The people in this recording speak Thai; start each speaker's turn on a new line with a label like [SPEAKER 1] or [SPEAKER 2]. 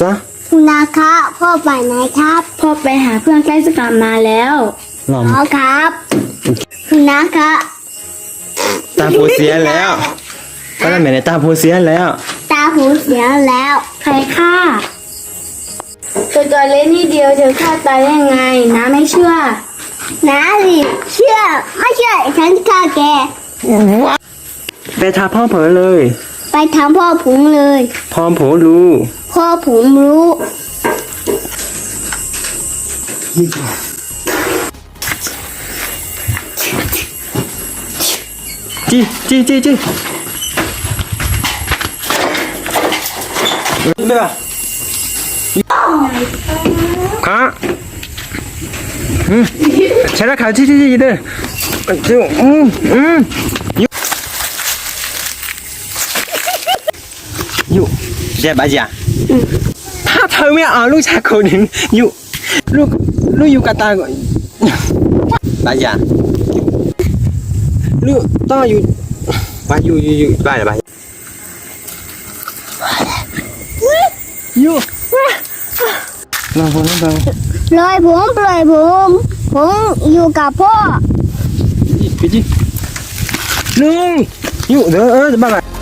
[SPEAKER 1] ซะ
[SPEAKER 2] คุณนาครับพ่อไปไหนครับพ่อไปหาเพื่อนใกล้จะกลับมาแล้ว
[SPEAKER 1] หล่อม
[SPEAKER 2] อ๋อครับคุณนาครับ
[SPEAKER 1] ตาโพเสียแล้วก็นั่นหมายในตาโพเสียแล้ว
[SPEAKER 2] ตาหูเสียแล้วใครฆ่าตัวเล็กนิดเดียวเธอฆ่าตายได้ไงน้าไม่เชื่อน้าสิเชื่อไม่เชื่อฉันฆ่าแก
[SPEAKER 1] ไปทาพ่อเผลอเลย
[SPEAKER 2] ไปทำพ่อผงเลย
[SPEAKER 1] พร้อมโผรู้
[SPEAKER 2] พ่อผมรู้
[SPEAKER 1] จี้对吧？卡，前面卡，จี้的，就哟，这白姐，他头面啊，路下口人哟，路有个大个，白姐，路当有，白有白了白。อยู่ลองผมลอง
[SPEAKER 2] ปล่อยผมอยู่กับพ่อ
[SPEAKER 1] ไปจีลุงอยู่เด้อจะบ้าไง